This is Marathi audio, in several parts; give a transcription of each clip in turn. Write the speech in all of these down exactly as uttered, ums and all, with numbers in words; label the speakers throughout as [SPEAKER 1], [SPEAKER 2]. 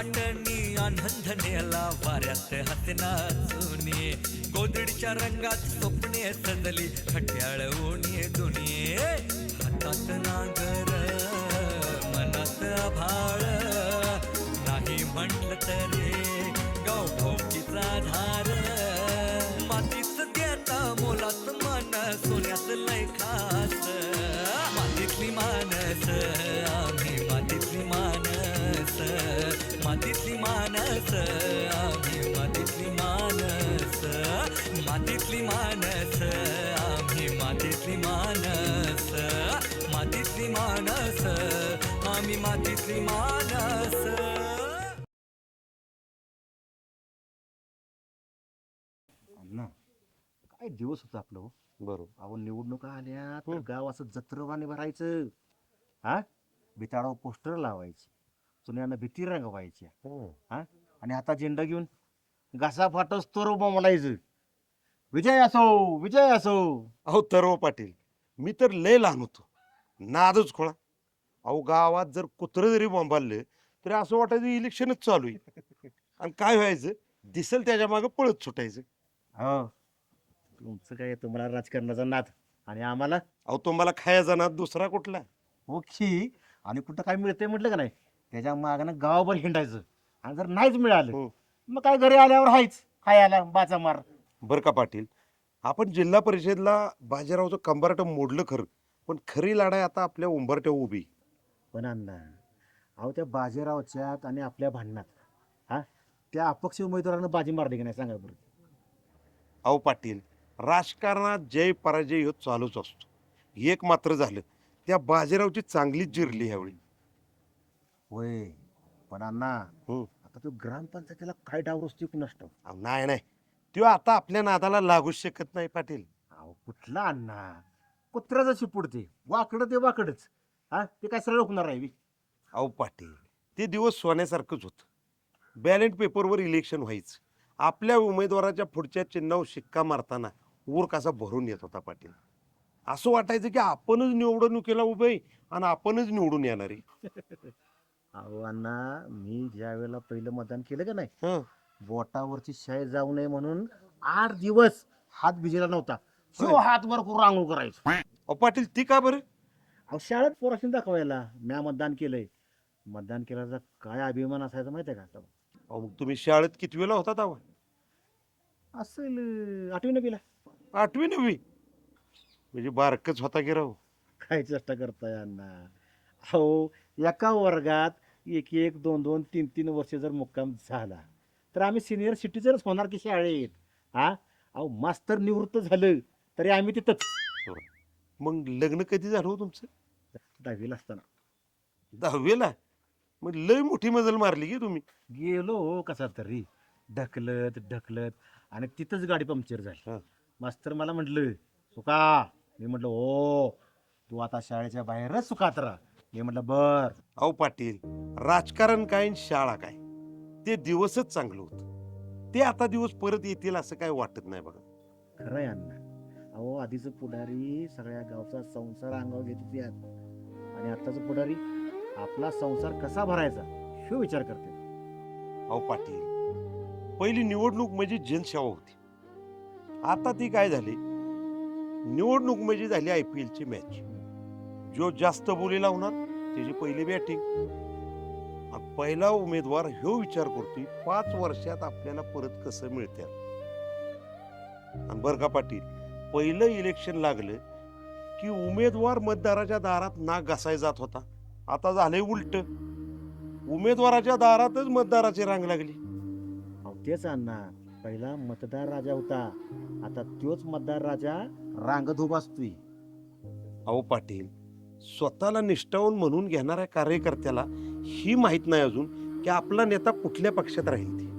[SPEAKER 1] वाटणी आनंद नेला वाऱ्यात हसना चुनी गोदडीच्या रंगात स्वप्ने सजली खट्याळ ओणी दुनी हातात नागर मनात आभाळ नाही म्हटलं तरी गाव भोवतीचा धार मातीच देता मोलात मन सोन्यात लय खास मातीतली मानस आम्ही मातीतली मानस मातीतली मानस आम्ही मातीतली मानस मातीतली मानस आम्ही मातीतली मानस मातीतली मानस आम्ही मातीतली मानस.
[SPEAKER 2] अण्णा काय दिवस होता आपलं हो.
[SPEAKER 3] बरोबर.
[SPEAKER 2] अहो निवडणुका आल्या तर गाव असं जत्रवाने भरायचं. हा बिताडावर पोस्टर लावायचे, चुन्यानं भीती रंगवायच्या. हा आणि आता झेंडा घेऊन घासा फाटस तोर म्हणायचं विजय असो विजय असो.
[SPEAKER 3] अहो तरव पाटील, मी तर लय लहान होतो, नादच खोळा. अहो गावात जर कुत्रं जरी बोंबाललं तरी असं वाटायचं इलेक्शनच चालू आहे. आणि काय व्हायचं, दिसेल त्याच्या मागे पळत सुटायचं.
[SPEAKER 2] हो तुमचं काय तुम्हाला राजकारणाचा नाद आणि आम्हाला
[SPEAKER 3] अहो तुम्हाला खायचा ना दुसरा कुठला.
[SPEAKER 2] ओखी आणि कुठं काय मिळतंय म्हटलं का नाही त्याच्या मागणं गावभर हिंडायचं. आणि जर नाहीच मिळालं
[SPEAKER 3] हो.
[SPEAKER 2] मग काय घरी आल्यावर हायच खायला बाचा मार.
[SPEAKER 3] बरं का पाटील, आपण जिल्हा परिषदला बाजीरावचं कंबारट मोडलं खरं, पण खरी लढाई आता आपल्या उंबरट्या उभी.
[SPEAKER 2] पण अण्णा अहो त्या बाजीरावच्यात आणि आपल्या भांडणात हा त्या अपक्ष उमेदवारानं बाजी मारली की नाही सांगा बरं.
[SPEAKER 3] अहो पाटील, राजकारणात जय पराजय ह्यो चालूच असतो. एक मात्र झालं, त्या बाजीरावची चांगलीच जिरली ह्यावेळी.
[SPEAKER 2] होय पण अण्णा
[SPEAKER 3] हम्म.
[SPEAKER 2] आता तो ग्रामपंचायतीला काय डाव रचतोय कुणास ठाऊक.
[SPEAKER 3] अहो, नाही नाही, त्यो आता आपल्या नादाला लागूच शकत नाही पाटील.
[SPEAKER 2] अहो कुठला अण्णा कुत्रा जशी पुढते वाकडं ते वाकडच. हा ते काय सरळ होणार आहे बी?
[SPEAKER 3] अहो पाटील, ते दिवस सोन्यासारखंच होतं. बॅलेट पेपरवर इलेक्शन व्हायचं, आपल्या उमेदवाराच्या पुढच्या चिन्हावर शिक्का मारताना ऊर कसा भरून येत होता पाटील. असं वाटायचं की आपणच निवडणुकीला उभे आहे आणि आपणच निवडून येणार आहे.
[SPEAKER 2] अहो अण्णा मी ज्या वेळेला पहिलं मतदान केलं का नाही
[SPEAKER 3] हं.
[SPEAKER 2] बोटावरची शाई जाऊ नये म्हणून आठ दिवस हात भिजेला नव्हता.
[SPEAKER 3] होय.
[SPEAKER 2] तो हात वर करून रांगोळ करायचो.
[SPEAKER 3] अहो पाटील, ती का बरं?
[SPEAKER 2] अहो शाळेत पोराशी दाखवायला म्या मतदान केलंय. मतदान केल्याचा काय अभिमान असायचा माहितीये का?
[SPEAKER 3] अहो मग तुम्ही शाळेत किती वेळा होता तेव्हा?
[SPEAKER 2] असेल आठवी नवीला.
[SPEAKER 3] आठवी नववी म्हणजे बारकच होता की राव.
[SPEAKER 2] काय चेष्टा करताय अण्णा. अहो एका वर्गात एक एक दोन दोन तीन तीन वर्ष जर मुक्काम झाला तर आम्ही सिनियर सिटीजनच होणार की शाळेत. हा अहो मास्तर निवृत्त झालं तरी आम्ही तिथंच.
[SPEAKER 3] मग लग्न कधी झालं हो तुमचं?
[SPEAKER 2] दहावीला असताना
[SPEAKER 3] दहावीला? मग लय मोठी मजल मारली की तुम्ही.
[SPEAKER 2] गेलो हो कसा तरी ढकलत ढकलत आणि तिथंच गाडी पंक्चर
[SPEAKER 3] हा.
[SPEAKER 2] झाली. मास्तर मला म्हटलं सुका. मी म्हटलं हो तू आता शाळेच्या बाहेरच सुखात राहा. मी म्हटलं बर.
[SPEAKER 3] अहो पाटील, राजकारण काय आणि शाळा काय, ते दिवसच चांगलं होतं. ते आता दिवस परत येतील असं काय वाटत नाही बघा.
[SPEAKER 2] खरं आहे अण्णा. अहो आधीच पुढारी सगळ्या गावचा संसार अंगावर घेत होते आणि आताच पुढारी आपला संसार कसा भरायचा हे विचार करते.
[SPEAKER 3] अहो पाटील, पहिली निवडणूक म्हणजे जनसेवा होती. आता ती काय झाली, निवडणूक म्हणजे झाली आय पी एलची मॅच. जो जास्त बोली लावणार त्याची पहिली बॅटिंग. पहिला उमेदवार ह्यो विचार करतोय पाच वर्षात आपल्याला परत कसं मिळते. आणि बरं का पाटील, पहिलं इलेक्शन लागलं की उमेदवार मतदाराच्या दारात नाक घासाय जात होता. आता झालंय उलट, उमेदवाराच्या दारातच मतदाराची रांग लागली.
[SPEAKER 2] अहो तेच अण्णा पहिला मतदार राजा होता आता तोच मतदार राजा रांगत उभा असतोय.
[SPEAKER 3] अहो पाटील, स्वतःला निष्ठावून म्हणून घेणाऱ्या कार्यकर्त्याला ही माहित नाही अजून की आपला नेता कुठल्या पक्षात राहील ते.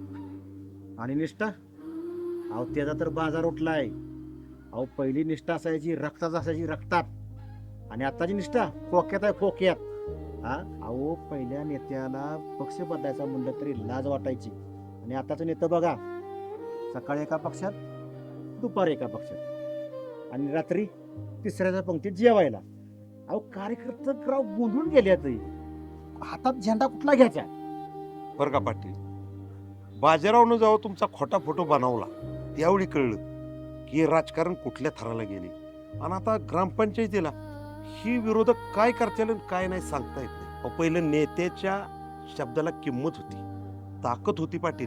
[SPEAKER 2] आणि निष्ठा अहो त्याचा तर बाजार उठलाय. अहो पहिली निष्ठा असायची रक्तात असायची रक्तात आणि आताची निष्ठा खोक्यात आहे खोक्यात. हा अहो पहिल्या नेत्याला पक्ष बदलायचा म्हणलं तरी लाज वाटायची आणि आताचं नेतं बघा सकाळी एका पक्षात दुपारी एका पक्षात आणि रात्री तिसऱ्याच्या पंक्तीत जेवायला. अहो कार्यकर्ते राव गोंधळून गेले. हातात झेंडा कुठला घ्यायचा
[SPEAKER 3] बरं का पाटील, बाजीरावनं जेव्हा तुमचा खोटा फोटो बनवला त्यावेळी कळलं की हे राजकारण कुठल्या थराला गेले. आणि आता ग्रामपंचायतीला ही विरोधक काय करतील आणि काय नाही सांगता येत नाही. अहो, पहिलं नेत्याच्या शब्दाला किंमत होती, ताकद होती पाटील.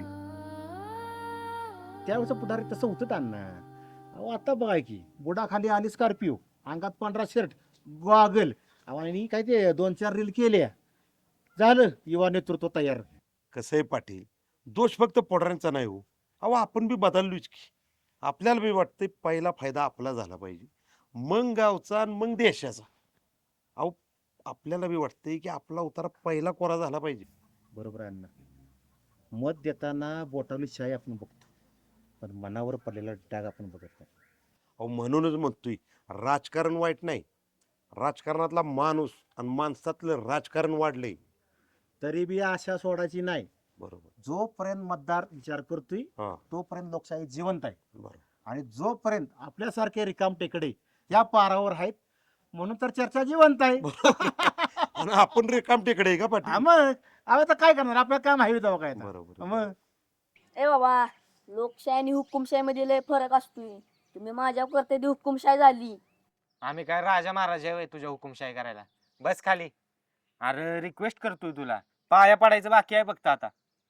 [SPEAKER 2] त्यावेळेचं पुढारी तसं होतं त्यांना. अहो आता बघाय की बुडाखाली आली स्कॉर्पिओ, अंगात पांढरा शर्ट, गॉगल, आणि काय ते दोन चार रील केल्या, झालं युवा नेतृत्व तयार.
[SPEAKER 3] कसं आहे पाटील, दोष फक्त पोटाऱ्यांचा नाही हो. अहो आपण बी बदललोच की. आपल्याला बी वाटतंय पहिला फायदा आपला झाला पाहिजे, मग गावचा आणि मग देशाचा. अहो आपल्याला बी वाटतंय की आपला उतारा पहिला कोरा झाला पाहिजे.
[SPEAKER 2] बरोबर आहे अण्णा. मत देताना बोटावली शाई आपण बघतो, पण मनावर पडलेला डाग आपण बघत नाही.
[SPEAKER 3] अहो म्हणूनच म्हणतोय, राजकारण वाईट नाही, राजकारणातला माणूस आणि माणसातलं राजकारण वाढलंय.
[SPEAKER 2] तरी बी आशा सोडायची नाही.
[SPEAKER 3] बरोबर.
[SPEAKER 2] जोपर्यंत मतदार विचार करतोय
[SPEAKER 3] हा
[SPEAKER 2] तोपर्यंत लोकशाही जिवंत आहे.
[SPEAKER 3] बरोबर.
[SPEAKER 2] आणि जोपर्यंत आपल्यासारखे रिकाम टेकडे या पारावर आहेत, म्हणून तर चर्चा जिवंत आहे.
[SPEAKER 3] आणि आपण रिकाम टेकडे आहे का
[SPEAKER 2] हा
[SPEAKER 3] पाटील?
[SPEAKER 2] मग आता तर काय करणार, आपलं काम हवी तेव्हा काय आता.
[SPEAKER 3] बरोबर.
[SPEAKER 2] मग
[SPEAKER 4] ए बाबा, लोकशाही आणि हुकुमशाही मध्ये लय फरक असतोय. तुम्ही माझ्या करते ती हुकुमशाही झाली.
[SPEAKER 5] आम्ही काय राजा महाराजा आहे तुझ्या हुकुमशाही करायला? बस खाली. अरे रिक्वेस्ट करतोय तुला, पाया पडायचं बाकी आहे फक्त आता.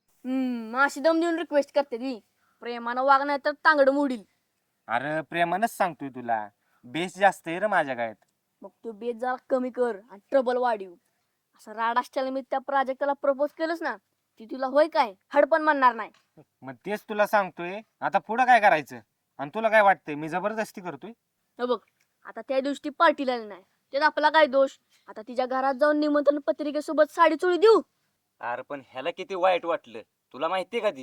[SPEAKER 4] हम्म अशी दम देऊन रिक्वेस्ट करते ती. प्रेमानं वाग नाही तर तांगड मोडील.
[SPEAKER 5] अरे प्रेमानच सांगतोय तुला, बेस जास्त आहे रे माझ्या गायत.
[SPEAKER 4] मग तू बेत जरा कमी कर आणि ट्रबल वाढीव. असं राडाष्ट्याला मी त्या प्राजक्ताला प्रपोज केलंस ना, ती तुला होय काय हडपण म्हणणार नाही.
[SPEAKER 5] मग तेच तुला सांगतोय, आता पुढं काय करायचं? आणि तुला काय वाटतंय मी जबरदस्ती करतोय?
[SPEAKER 4] हे बघ, आता त्या दिवशी पार्टीला आली नाही, त्यात आपला काय दोष? आता तिच्या घरात जाऊन निमंत्रण पत्रिकेसोबत साडी चोळी देऊ?
[SPEAKER 6] अरे पण ह्याला किती वाईट वाटलं तुला माहितीये का ती?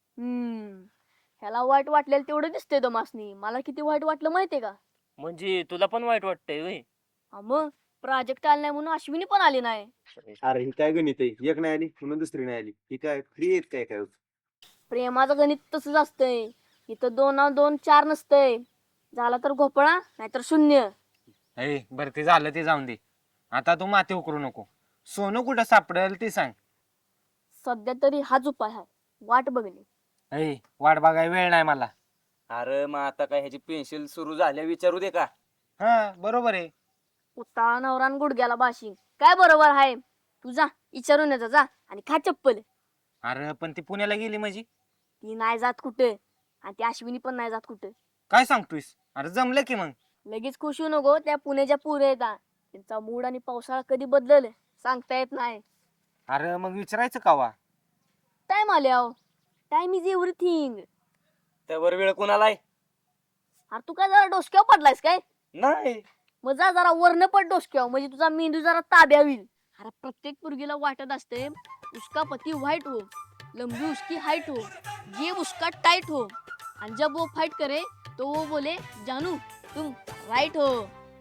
[SPEAKER 4] हम्म ह्याला वाईट वाटलेलं तेवढं दिसतंय दमासनी. मला किती वाईट वाटलं माहितीये का?
[SPEAKER 6] म्हणजे तुला पण वाईट वाटतंय व्हय?
[SPEAKER 4] हा मग प्राजक्त आली नाही म्हणून अश्विनी पण आली नाही.
[SPEAKER 7] अरे ही काय गणित आहे, एक नाही आली म्हणून दुसरी नाही आली, ही काय फ्री आहेत काय काय?
[SPEAKER 4] प्रेमाचं गणित तसंच असतंय. इथं दोन ना दोन चार नसतंय. झाला तर घोपळा नाहीतर शून्य.
[SPEAKER 5] ए बरं ते झालं ते जाऊन दे. आता तू माती उकरू नको. सोनं कुठं सापडेल ते सांग.
[SPEAKER 4] सध्या तरी हाच उपाय आहे, वाट बघणे.
[SPEAKER 5] ए वाट बघाय वेळ नाही मला.
[SPEAKER 6] अरे मग आता काय ह्याची पेन्सिल सुरू झाल्या विचारू दे का?
[SPEAKER 5] हा बरोबर आहे.
[SPEAKER 4] उताळा नवरान गुडघ्याला बाशिंग. काय बरोबर आहे? तू जा विचारून येजा जा आणि खा चप्पल.
[SPEAKER 5] अरे पण ती पुण्याला गेली म्हणजे?
[SPEAKER 4] ती नाही जात कुठे, आणि ती अश्विनी पण नाही जात कुठे.
[SPEAKER 5] काय सांगतोयस? अरे जमलं की मग.
[SPEAKER 4] लगेच खुश होऊ नको, त्या पुण्याच्या पुरे येतात. त्यांचा मूड आणि पावसाळा कधी बदलल सांगता येत नाही.
[SPEAKER 5] अरे मग विचारायचं कावा?
[SPEAKER 4] टाइम आल्याव. Time is everything.
[SPEAKER 6] त्यावर वेळ कोणाला आहे?
[SPEAKER 4] अरे तू काय जरा डोसक्यावर पडलायस काय?
[SPEAKER 6] नाही.
[SPEAKER 4] मग जा जरा वर्ण पड डोसक्यावर, म्हणजे तुझा मेंदू जरा ताब्या होईल. अरे प्रत्येक पोरगीला वाटत असते उसका पती व्हाइट हो, लंबी उसकी हाइट हो, जेब उसका टाइट हो, आणि जब वो फाइट करे तो वो बोले जानू तुम राइट हो.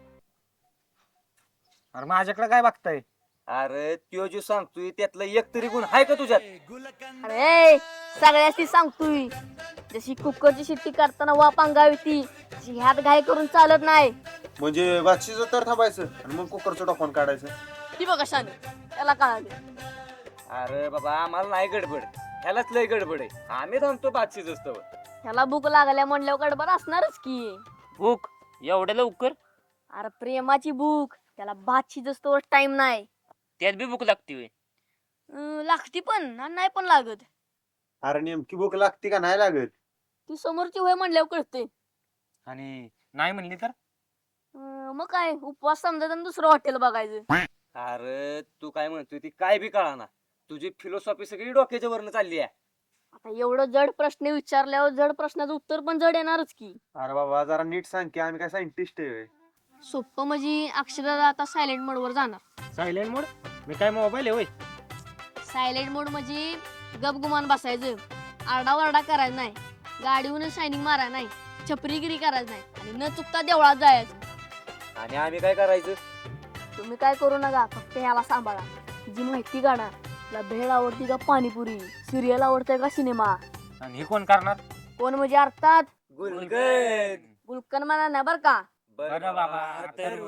[SPEAKER 5] अरे माझ्याकडे काय बघताय?
[SPEAKER 6] अरे त्यो जो सांगतोय त्यातलं एक तरी गुण आहे का तुझ्यात?
[SPEAKER 4] अरे सगळ्याशी सांगतोय, जशी कुकरची शिट्टी करताना वाप अंगावी ती तशी ह्यात घाई करून चालत नाही.
[SPEAKER 7] म्हणजे बादशीचं तर थांबायचं आणि मग कुकरचं टोपण काढायचं.
[SPEAKER 4] ती बघ कशाने त्याला कळाले.
[SPEAKER 6] अरे बाबा आम्हाला नाही गडबड, ह्यालाच लय गडबड आहे. आम्ही थांबतो बादशीच असतो.
[SPEAKER 4] ह्याला भूक लागल्या म्हणल्यावर गडबड असणारच की.
[SPEAKER 6] भूक एवढ्या लवकर?
[SPEAKER 4] अरे प्रेमाची भूक, त्याला भात शिजस्तोवर टाइम नाही.
[SPEAKER 6] त्यात बी भूक लागते व्हय?
[SPEAKER 4] अं, लागती पण आणि नाही पण लागत.
[SPEAKER 7] अरे नेमकी भूक लागते का नाही लागत?
[SPEAKER 4] ती समोरची होय म्हणल्यावर कळते.
[SPEAKER 5] आणि नाही म्हणली तर?
[SPEAKER 4] मग काय उपवास समजायचा आणि दुसरं हॉटेल बघायचं.
[SPEAKER 6] अरे तू काय म्हणतोय ती काय बी कळाना. तुझी फिलॉसॉफी सगळी डोक्याच्या वरनं चालली आहे.
[SPEAKER 4] आता एवढं जड प्रश्न विचारल्यावर जड प्रश्नाचं उत्तर पण जड येणारच की.
[SPEAKER 7] अरे बाबा जरा नीट सांग की, आम्ही काय सायंटिस्ट आहे?
[SPEAKER 4] सोप्प म्हणजे अक्षरशः आता सायलेंट मोड वर जाणार.
[SPEAKER 5] सायलेंट मोड? मी काय मोबाईल आहे होय?
[SPEAKER 4] सायलेंट मोड म्हणजे गपगुमान बसायचं, आरडाओरडा करायचं नाही, गाडीवरून शायनिंग मारायचं नाही, छपरीगिरी करायचं नाही, आणि न चुकता देवळात जायचं.
[SPEAKER 6] आणि आम्ही काय करायचं?
[SPEAKER 4] तुम्ही काय करू नका, फक्त ह्याला सांभाळा. जी माहिती काढा, तुला भेळ आवडती का पाणीपुरी, सिरियल आवडतंय का सिनेमा.
[SPEAKER 5] आणि हे कोण करणार?
[SPEAKER 4] कोण म्हणजे अर्थात
[SPEAKER 6] गुलगन.
[SPEAKER 4] गुलकन म्हणा नाही बर का.
[SPEAKER 5] बरं बाबा,
[SPEAKER 6] अथर्व.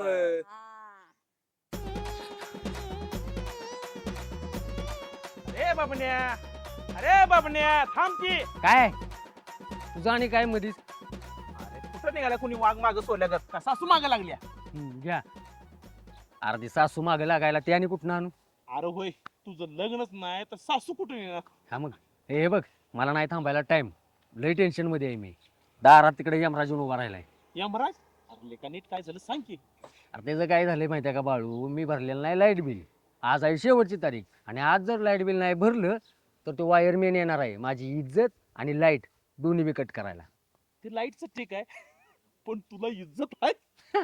[SPEAKER 5] ए बाबन्या
[SPEAKER 8] अरे बाबण्या थांब की.
[SPEAKER 5] काय तुझं आणि काय मधीच
[SPEAKER 8] अरे कुठं निघाला कुणी वाघ माग सोडल्या का सासू माग लागल्या.
[SPEAKER 5] हम्म, घ्या अर्धी सासू मागे लागायला ते आणि कुठं आणू.
[SPEAKER 8] अरे होय तुझं लग्नच नाही तर सासू कुठून येणार.
[SPEAKER 5] हा मग हे बघ मला नाही थांबायला टाइम लय टेन्शन मध्ये आहे मी दारात तिकडे यमराज येऊन उभा राहिलाय.
[SPEAKER 8] यमराज अरे लेका नीट काय झालं सांग की.
[SPEAKER 5] अरे त्याचं काय झालंय माहिती आहे का बाळू मी भरलेलं नाही लाईट बिल. आज आहे शेवटची तारीख आणि आज जर लाईट बिल नाही भरलं तर तो वायरमॅन येणार आहे माझी इज्जत आणि लाईट दोन्ही बी कट करायला.
[SPEAKER 8] ते लाईटच ठीक आहे पण तुला इज्जत आहे.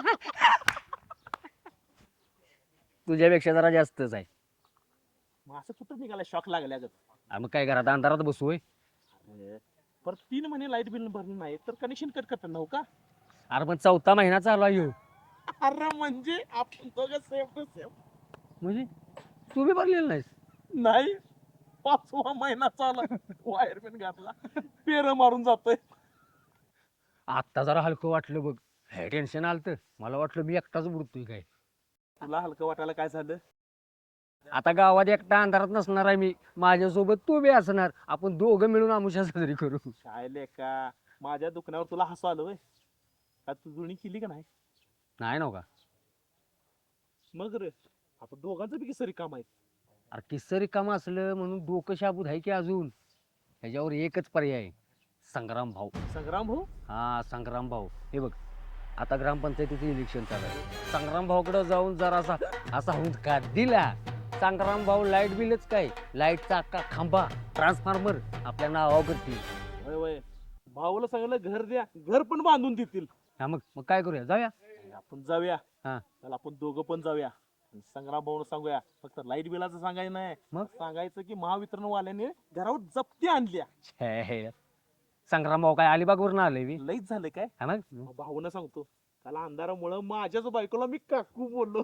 [SPEAKER 5] तुझ्यापेक्षा जरा जास्तच आहे.
[SPEAKER 8] मग असं कुठं निघाला शॉक लागल्या गं.
[SPEAKER 5] अरे मग काय घरात अंधारात बसू होय.
[SPEAKER 8] अरे पर तीन महिने लाईट बिल भरलं नाही तर कनेक्शन कट करतात ना हो का.
[SPEAKER 5] अरे पण चौथा महिना चालू आहे ह्यो.
[SPEAKER 8] अरे म्हणजे आपण दोघं सेम टू सेम.
[SPEAKER 5] म्हणजे तू बी भरलेलं नाहीस.
[SPEAKER 8] नाही पाचवा महिना चाला वायरमॅन घातला पेर मारून जातोय.
[SPEAKER 5] आत्ता जरा हलकं वाटलं बघ हे टेन्शन आलतं मला वाटलं मी एकटाच बुडतोय काय.
[SPEAKER 8] तुला हलकं वाटायला काय झालं.
[SPEAKER 5] आता गावात एकटा अंधारात नसणार आहे मी माझ्यासोबत तू बी असणार आपण दोघं मिळून आमुषा साजरी करू.
[SPEAKER 8] काय लेका माझ्या दुकानावर तुला हसू आलं होय. का तू जुळणी केली का नाही.
[SPEAKER 5] नाही नव का.
[SPEAKER 8] मग रे आता दोघांचं बी सरी काम आहे.
[SPEAKER 5] अरे किस्सं रिकामं असलं म्हणून डोकं शाबूत आहे की अजून ह्याच्यावर एकच पर्याय आहे, संग्राम भाऊ.
[SPEAKER 8] संग्राम भाऊ
[SPEAKER 5] हा संग्राम भाऊ हे बघ आता ग्रामपंचायतीचं इलेक्शन चालू आहे. संग्राम भाऊकडे जाऊन जरासा असा हुंदका दिला संग्राम भाऊ लाईट बिलच काय लाईटचा अख्खा खांबा ट्रान्सफॉर्मर आपल्या नावावर करतील.
[SPEAKER 8] वय वय भाऊला सांगितलं घर द्या घर पण बांधून देतील.
[SPEAKER 5] हा मग मग काय करूया जाऊया.
[SPEAKER 8] आपण जाऊया.
[SPEAKER 5] हा.
[SPEAKER 8] चल आपण दोघं पण जाऊया. आणि संग्राम भाऊला सांगूया फक्त लाईट बिलाचं सांगायचं नाही.
[SPEAKER 5] मग?
[SPEAKER 8] सांगायचं की महावितरण वाल्याने घरावर जप्ती आणल्या.
[SPEAKER 5] हे हे संग्राम भाऊ काय अलिबागवरून आले मी.
[SPEAKER 8] लईच झालं काय.
[SPEAKER 5] हा मग
[SPEAKER 8] मग भाऊनं सांगतो त्याला अंधारामुळं माझ्याच बायकोला मी काकू बोललो.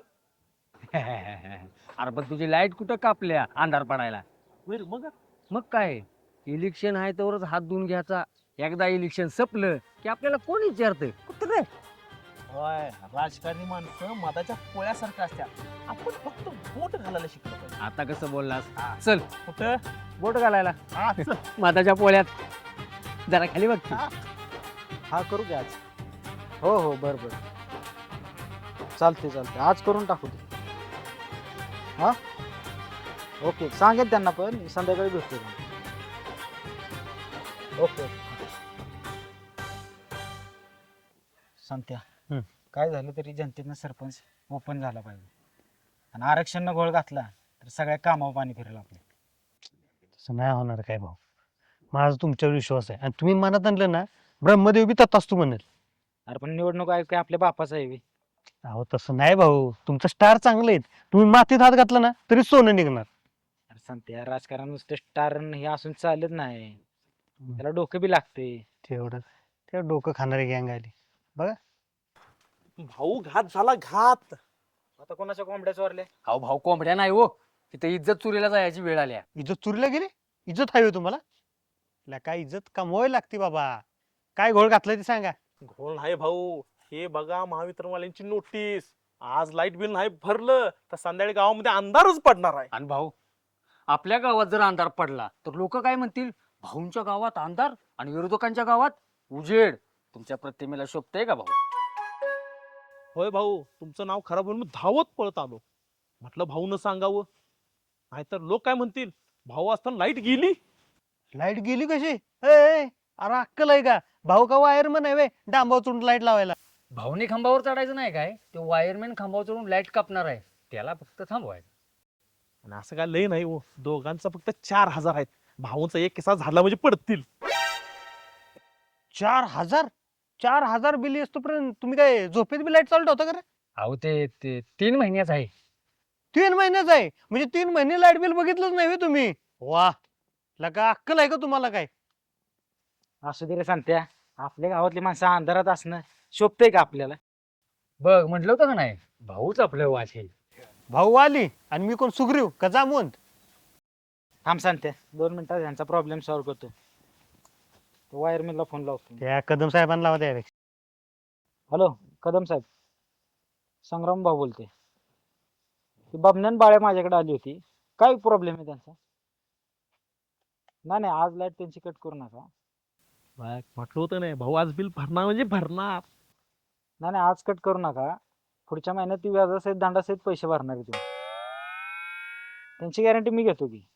[SPEAKER 5] अरे पण तुझी लाईट कुठं कापल्या अंधार पडायला.
[SPEAKER 8] होय रे, मग
[SPEAKER 5] मग काय इलेक्शन आहे तरच हात धुवून घ्यायचा. एकदा इलेक्शन संपलं की आपल्याला कोण विचारतं कुठं रे.
[SPEAKER 8] होय राजकारणी माणसं मधाच्या पोळ्यासारखं असतात. आपण फक्त बोट घालायला शिकलो पाहिजे.
[SPEAKER 5] आता कसं बोललास चल
[SPEAKER 8] कुठं
[SPEAKER 5] बोट घालायला
[SPEAKER 8] हा, चल.
[SPEAKER 5] माताच्या पोळ्यात जरा खाली बघ की.
[SPEAKER 9] हा करू घ्या आज. हो हो बर बर चालते चालते आज करून टाकू ते. हा ओके सांगेल त्यांना पण संध्याकाळी भेटतो. ओके ओके सांगत्या
[SPEAKER 5] हम्म.
[SPEAKER 9] काय झालं तरी जनतेनं सरपंच ओपन झाला पाहिजे आणि आरक्षणनं घोळ घातला तर सगळ्या कामावर पाणी फिरेल आपल्या.
[SPEAKER 10] तसं नाही होणार काय भाऊ माझा तुमच्यावर विश्वास आहे आणि तुम्ही मनात आणलं ना ब्रह्मदेव बी तथाच तू म्हणेल.
[SPEAKER 9] अरे पण निवडणूक आयोग काय आपल्या बापाचा आहे बे.
[SPEAKER 10] अहो तसं नाही भाऊ तुमचं स्टार चांगले आहेत तुम्ही मातीत हात घातला ना तरी सोनं निघणार.
[SPEAKER 9] अरे सांगत्या राजकारण नुसतं स्टार हे असून चालत नाही त्याला डोकं बी लागते.
[SPEAKER 10] तेवढं ते डोकं खाणारी गँग आली.
[SPEAKER 8] भाऊ घात झाला घात.
[SPEAKER 9] आता कोणाच्या कोंबड्या चोरल्या.
[SPEAKER 5] अहो भाऊ कोंबड्या नाही हो तिथे इज्जत चुरीला जायची वेळ आल्या.
[SPEAKER 10] इज्जत चोरीला गेली इज्जत हवी तुम्हाला ला काय इज्जत कमवावी लागते बाबा. काय घोळ घातलाय ते सांगा.
[SPEAKER 8] घोळ नाही भाऊ हे बघा महावितरणवाल्यांची नोटीस. आज लाईट बिल नाही भरलं तर संध्याकाळी गावामध्ये अंधारच पडणार आहे.
[SPEAKER 5] आणि भाऊ आपल्या गावात जर अंधार पडला तर लोक काय म्हणतील भाऊंच्या गावात अंधार आणि विरोधकांच्या गावात उजेड. तुमच्या प्रतिमेला शोभतंय का भाऊ.
[SPEAKER 8] होय भाऊ तुमचं नाव खराब होऊन मी धावत पळत आलो. म्हटलं भाऊनं सांगावं नाहीतर लोक काय म्हणतील भाऊ असताना लाईट गेली.
[SPEAKER 10] लाईट गेली कशी ए, ए, अरे अक्कल आहे का भाऊ का वायरमन आहे डांबावर चढून लाईट लावायला.
[SPEAKER 5] भाऊने खांबावर चढायचं नाही काय ते वायरमॅन खांबावर चढून लाईट कापणार आहे त्याला फक्त थांबवायचं.
[SPEAKER 8] आणि असं काय लय नाही हो दोघांचा फक्त चार हजार आहेत. भाऊंचा एक किस्सा झाला म्हणजे पडतील.
[SPEAKER 10] चार हजार चार हजार बिल येतोपर्यंत तुम्ही काय झोपेत बी लाईट चालू ठेवता का रे?
[SPEAKER 5] अहो ते ते तीन महिन्याच आहे.
[SPEAKER 10] तीन महिन्याच आहे म्हणजे तीन महिने लाईट बिल बघितलंच नाही व्हय तुम्ही. वा लगा अक्कल आहे का तुम्हाला काय.
[SPEAKER 9] असू दे रे सांगत्या आपल्या गावातली माणसं अंधारात असणं शोभतंय का आपल्याला.
[SPEAKER 5] बघ म्हटलं होतं का नाही भाऊच आपलं वाचेल.
[SPEAKER 10] भाऊ आली आणि मी कोण सुग्रीव का जामवंत.
[SPEAKER 9] थांब सांगत्या दोन मिनिटात ह्यांचा प्रॉब्लेम सॉल्व्ह करतो. वायरमॅनला फोन लावतो.
[SPEAKER 10] त्या कदम साहेबांना लावा त्यापेक्षा.
[SPEAKER 9] हॅलो कदम साहेब संग्राम भाऊ बोलते. ती बबन्यान बाळ्या माझ्याकडे आली होती काय प्रॉब्लेम आहे त्यांचा. नाही नाही आज लाईट त्यांची कट करू नका.
[SPEAKER 8] बघ, म्हटलं होतं नाही भाऊ आज बिल भरणार म्हणजे भरणार.
[SPEAKER 9] नाही नाही आज कट करू नका. पुढच्या महिन्यात ती व्याजासहित दंडासहित पैसे भरणार आहे तुम्ही. त्यांची गॅरंटी मी घेतो की.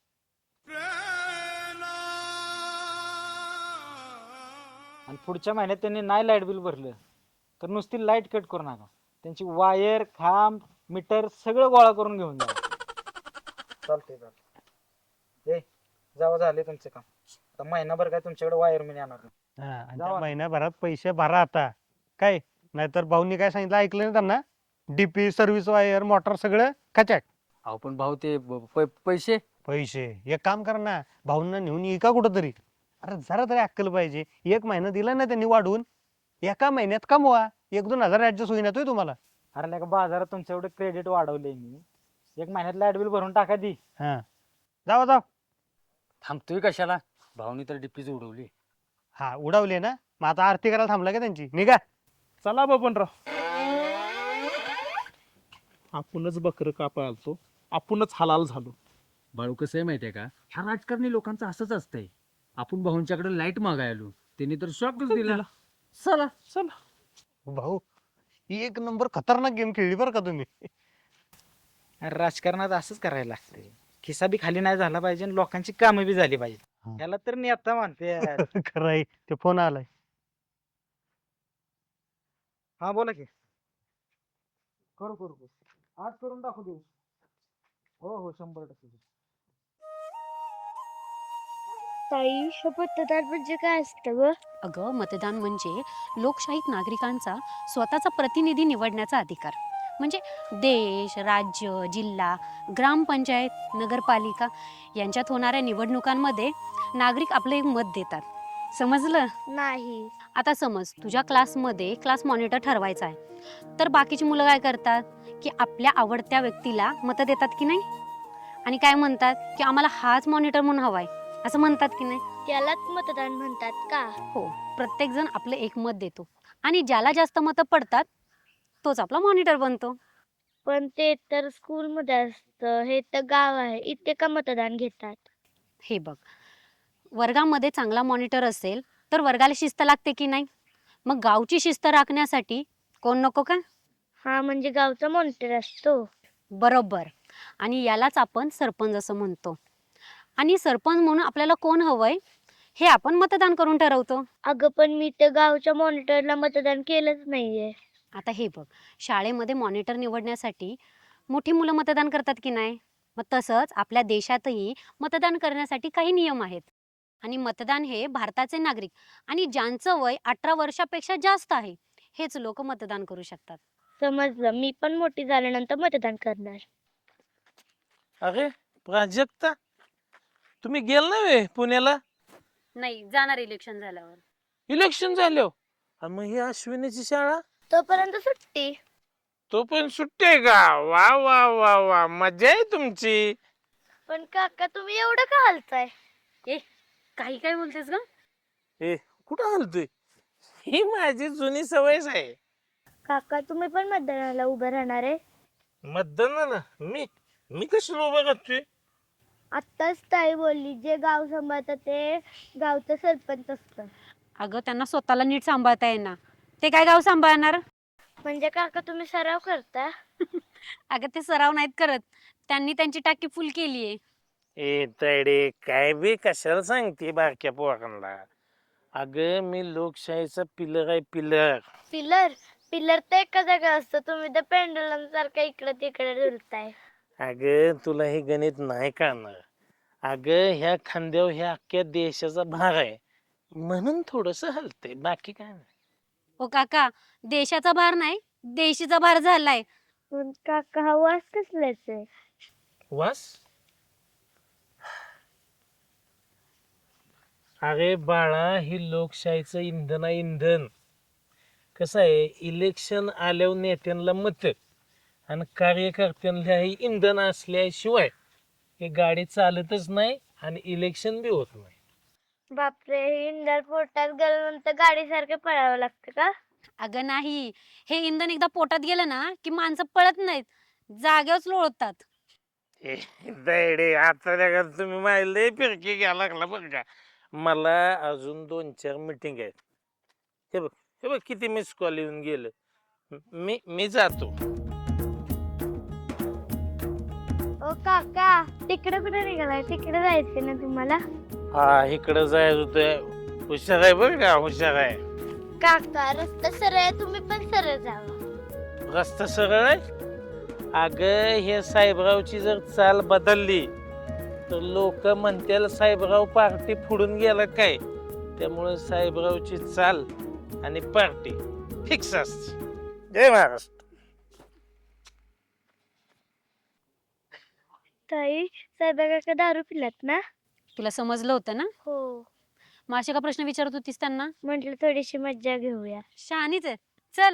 [SPEAKER 9] आणि पुढच्या महिन्यात त्यांनी नाही लाईट बिल भरलं तर नुसती लाईट कट करू नका. त्यांची वायर खांब मीटर सगळं गोळा करून घेऊन जा. चालतंय चालतंय. ए जावं झाले तुमचं काम. आता महिनाभर काय तुमच्याकडे वायर मी येणार नाही.
[SPEAKER 10] हा, आणि
[SPEAKER 9] जावा.
[SPEAKER 10] त्या महिन्याभरात पैसे भरा आता काय, नाहीतर भाऊनी काय सांगितलं ऐकलं ना त्यांना, डीपी सर्व्हिस वायर मोटर सगळं खचाक.
[SPEAKER 5] अहो पण भाऊ ते ब- प- पैसे
[SPEAKER 10] पैसे एक काम कर ना, भाऊंना नेऊन ये का कुठं तरी. अरे जरा तरी अक्कल पाहिजे. एक महिना दिला ना त्यांनी वाढवून, एका महिन्यात कमवा. एक दोन हजार ऍडजस्ट होईना तोय तुम्हाला.
[SPEAKER 9] अरे लगा बाजारात तुमचं एवढं क्रेडिट वाढवलंय मी. एक महिन्यात लाईट बिल भरून टाका दी.
[SPEAKER 10] हा जावा जाव.
[SPEAKER 5] थांबतोय कशाला, भाऊनी तर डिप्पीच उडवली.
[SPEAKER 10] हा उडवले ना, मग आता आरती करायला थांबला का त्यांची, निघा.
[SPEAKER 8] चला बबनराव, आपणच बकर कापा आलतो, आपणच हलाल झालो.
[SPEAKER 5] बाळू कसं आहे माहितीये का, ह्या राजकारणी लोकांचं असंच असतंय. आपण भाऊंच्याकडे लाईट मागाय आलो, त्यांनी तर शॉकच दिला.
[SPEAKER 8] चला चला
[SPEAKER 10] भाऊ एक नंबर खतरनाक गेम खेळली बरं का तुम्ही.
[SPEAKER 9] अरे राजकारणात असंच करायला लागतंय. खिसा बी खाली नाही झाला पाहिजे आणि लोकांची कामं बी झाली पाहिजे.
[SPEAKER 10] हा.
[SPEAKER 9] याला तर नेता म्हणते.
[SPEAKER 10] खरंय, ते फोन आलाय.
[SPEAKER 9] हा बोला की. करू करू करू. आज करून टाकू देऊ. हो हो शंभर टक्के.
[SPEAKER 4] ताई मतदार म्हणजे काय असतं ग?
[SPEAKER 11] अगं मतदान म्हणजे लोकशाहीत नागरिकांचा स्वतःचा प्रतिनिधी निवडण्याचा अधिकार. म्हणजे देश, राज्य, जिल्हा, ग्रामपंचायत, नगरपालिका यांच्यात होणाऱ्या निवडणुकांमध्ये नागरिक आपले एक मत देतात. समजलं?
[SPEAKER 4] नाही.
[SPEAKER 11] आता समज तुझ्या क्लासमध्ये क्लास मॉनिटर ठरवायचा आहे, तर बाकीची मुलं काय करतात की आपल्या आवडत्या व्यक्तीला मतं देतात की नाही, आणि काय म्हणतात की आम्हाला हाच मॉनिटर म्हणून हवाय असं म्हणतात की नाही.
[SPEAKER 4] त्यालाच मतदान म्हणतात का?
[SPEAKER 11] हो, प्रत्येक जण आपलं एक मत देतो आणि ज्याला जास्त मतं पडतात तोच आपला मॉनिटर बनतो.
[SPEAKER 4] पण ते तर स्कूलमध्ये असतं, हे तर गाव आहे, इथे का मतदान घेतात?
[SPEAKER 11] हे बघ, वर्गामध्ये चांगला मॉनिटर असेल तर वर्गाला शिस्त लागते की नाही. मग गावची शिस्त राखण्यासाठी कोण नको का?
[SPEAKER 4] हा म्हणजे गावचा मॉनिटर असतो.
[SPEAKER 11] बरोबर. आणि यालाच आपण सरपंच असं म्हणतो. आणि सरपंच म्हणून आपल्याला कोण हवंय हे आपण मतदान करून ठरवतो.
[SPEAKER 4] अगं पण मी तर गावच्या मॉनिटरला मतदान केलंच नाहीये.
[SPEAKER 11] आता हे बघ, शाळेमध्ये मॉनिटर निवडण्यासाठी मोठी मुलं मतदान करतात की नाही. मग तसंच आपल्या देशातही मतदान करण्यासाठी काही नियम आहेत. आणि मतदान हे भारताचे नागरिक आणि ज्यांचं वय अठरा वर्षापेक्षा जास्त आहे हेच लोक मतदान करू शकतात.
[SPEAKER 4] समजलं. मी पण मोठी झाल्यानंतर मतदान करणार.
[SPEAKER 8] अरे प्राजक्ता, तुम्ही गेल ना पुण्याला
[SPEAKER 11] नाही, जाणार इलेक्शन झाल्यावर.
[SPEAKER 8] इलेक्शन झाल्यावर? मग ही अश्विनीची शाळा
[SPEAKER 4] तोपर्यंत सुट्टी.
[SPEAKER 8] तो पण सुट्टी आहे का? वा वा वा वा, मजा आहे तुमची.
[SPEAKER 4] पण काका तुम्ही एवढं का हलताय?
[SPEAKER 11] ए, काही काय बोलतेस ग?
[SPEAKER 8] ए कुठं हलतोय? ही माझी जुनी सवयच आहे.
[SPEAKER 4] काका तुम्ही पण मतदानाला उभं राहणार आहे?
[SPEAKER 8] मतदानाला मी मी कशाला उभं राहतोय?
[SPEAKER 4] आत्ताच ताई बोलली जे गाव सांभाळतं ते गावचं सरपंच असतं.
[SPEAKER 11] अगं त्यांना स्वतःला नीट सांभाळता येईना, ते काय गाव सांभाळणार?
[SPEAKER 4] म्हणजे काका तुम्ही सराव करता?
[SPEAKER 11] अगं ते सराव नाहीत करत, त्यांनी त्यांची टाकी फुल केलीये.
[SPEAKER 8] ए तडे काय बी कशाला सांगते बारक्या पोरांना? अगं मी लोकशाहीचा पिलर आहे, पिलर.
[SPEAKER 4] पिलर पिलर तर एका जागा असतं, तुम्ही तर पेंडुलम सारखं इकडे तिकडे डुलताय.
[SPEAKER 8] अगं तुला हे गणित नाही कळणार. अगं ह्या खांद्यावर ह्या अख्ख्या देशाचा भार आहे म्हणून थोडस हलते, बाकी काय नाही.
[SPEAKER 11] ओ काका, देशाचा भार नाही देशीचा भार झालाय.
[SPEAKER 4] पण काका हा वास कसलाच आहे?
[SPEAKER 8] वास? अरे बाळा, ही लोकशाहीचं इंधन आहे, इंधन. कसं आहे, इलेक्शन आल्यावर नेत्यांना मत आणि कार्यकर्त्यांना हे इंधन असल्याशिवाय हे गाडी चालतच नाही आणि इलेक्शन बी होत नाही.
[SPEAKER 4] बापरे, इंधन पोटात गेल्यानंतर गाडीसारखं पळावं लागतं का?
[SPEAKER 11] अगं नाही, हे इंधन एकदा पोटात गेलं ना की माणसं पळत नाहीत, जागेवरच लोळतात.
[SPEAKER 8] दैडे आता का तुम्ही माहिले फिरकी घ्या लागला बरं का. मला अजून दोन चार मिटिंग आहेत. हे बघ हे बघ किती मिस कॉल येऊन गेलं. मी मी जातो.
[SPEAKER 12] ओ काका तिकडे कुठे निघालाय? तिकडे जायचं ना तुम्हाला?
[SPEAKER 8] हा इकडं जायचं होतं. हुशार आहे बरं का, हुशार आहे.
[SPEAKER 12] काका रस्ता सरळ आहे, तुम्ही पण सरळ जावा.
[SPEAKER 8] रस्ता सरळ आहे. अगं हे साहेबरावची जर चाल बदलली तर लोक म्हणतील साहेबराव पार्टी फोडून गेला काय. त्यामुळे साहेबरावची चाल आणि पार्टी फिक्स असते. जय महाराष्ट्र.
[SPEAKER 12] ताई साहेबा काका दारू पिलात ना?
[SPEAKER 11] तुला समजलं होतं ना?
[SPEAKER 12] हो.
[SPEAKER 11] मग असे का प्रश्न विचारत होतीस त्यांना?
[SPEAKER 12] म्हटलं थोडीशी मज्जा घेऊया.
[SPEAKER 11] शहाणीच आहे. चल.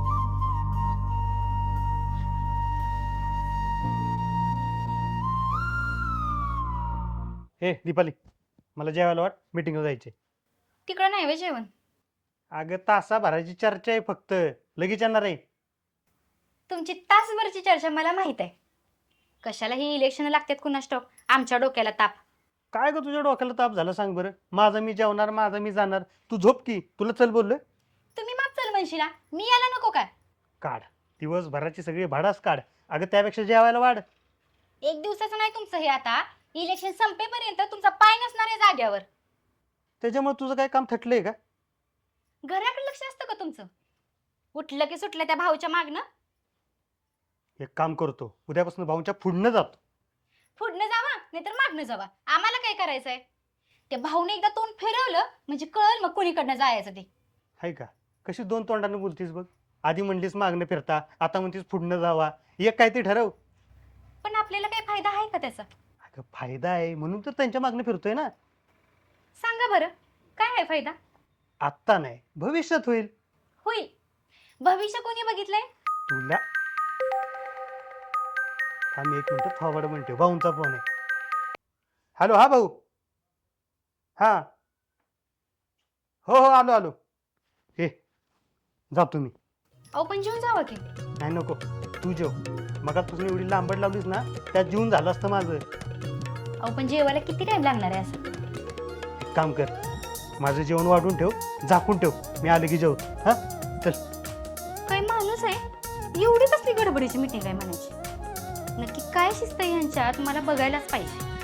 [SPEAKER 10] हे दीपाली, मला जेवायला वाट, मीटिंगला जायचे.
[SPEAKER 13] तिकडं नाही वे जेवण.
[SPEAKER 10] अगं तासाभराची चर्चा आहे फक्त, लगेच येणार आहे.
[SPEAKER 13] तुमची तासभरची चर्चा मला माहित आहे. कशाला ही इलेक्शन लागतात कुणास ठाऊक. आमच्या डोक्याला ताप.
[SPEAKER 10] काय ग तुझ्या डोक्याला ताप झाला सांग बरं. माझं मी जेवणार, माझं मी जाणार. तू झोप की, तुला चल बोललोय.
[SPEAKER 13] तुम्ही माग चल म्हणशीला, मी यायला नको काय?
[SPEAKER 10] काढ दिवसभराची सगळी भाडाच काढ. अगं त्यापेक्षा जेवायला वाढ.
[SPEAKER 13] एक दिवसाचं नाही तुमचं हे. आता इलेक्शन संपेपर्यंत तुमचा पाय नसणार आहे जाग्यावर.
[SPEAKER 10] त्याच्यामुळे तुझं काय काम थटलंय का?
[SPEAKER 13] घराकडे लक्ष असतं का तुमचं? उठलं की सुटलं त्या भाऊच्या मागणं.
[SPEAKER 10] एक काम करतो, उद्यापासून भाऊंच्या पुढनं जातो.
[SPEAKER 13] पुढनं जावा नाहीतर मागणं जावा, आम्हाला काय करायचंय. त्या भाऊने एकदा तोंड फिरवलं म्हणजे कळल मग कोणीकडनं जायचं ते.
[SPEAKER 10] हाय का? कशी दोन तोंडाने बोलतीस बघ. आधी म्हणलीस मागणं फिरता, आता म्हणतीस पुढनं जावा. एक काय ते ठरव.
[SPEAKER 13] पण आपल्याला काही फायदा आहे का त्याचा?
[SPEAKER 10] अगं फायदा आहे म्हणून तर त्यांच्या मागणं फिरतोय ना.
[SPEAKER 13] सांगा बरं काय आहे फायदा?
[SPEAKER 10] आत्ता नाही, भविष्यात होईल.
[SPEAKER 13] होईल. भविष्य कोणी बघितलंय?
[SPEAKER 10] तुला आम्ही एक मिनिट फॉरवर्ड म्हणते, भाऊंचा फोन आहे. हॅलो, हा भाऊ. हा हो हो आलो आलो. हे जा तुम्ही.
[SPEAKER 13] अहो पण जेवून जावं की.
[SPEAKER 10] नाही नको, तू जेव. मगापासून एवढी लांबड लावलीस ना, त्यात जेवून झालं असतं माझं.
[SPEAKER 13] अहो पण जेवायला किती टाइम लागणार आहे असं?
[SPEAKER 10] एक काम कर, माझं जेवण वाढून ठेव, झाकून ठेव. मी आले की जेवतो. हा चल.
[SPEAKER 13] काय माणूस आहे, एवढी कसली गडबडीची मीटिंग आहे म्हणायची. नक्की काय शिस्त आहे यांच्यात मला बघायलाच पाहिजे.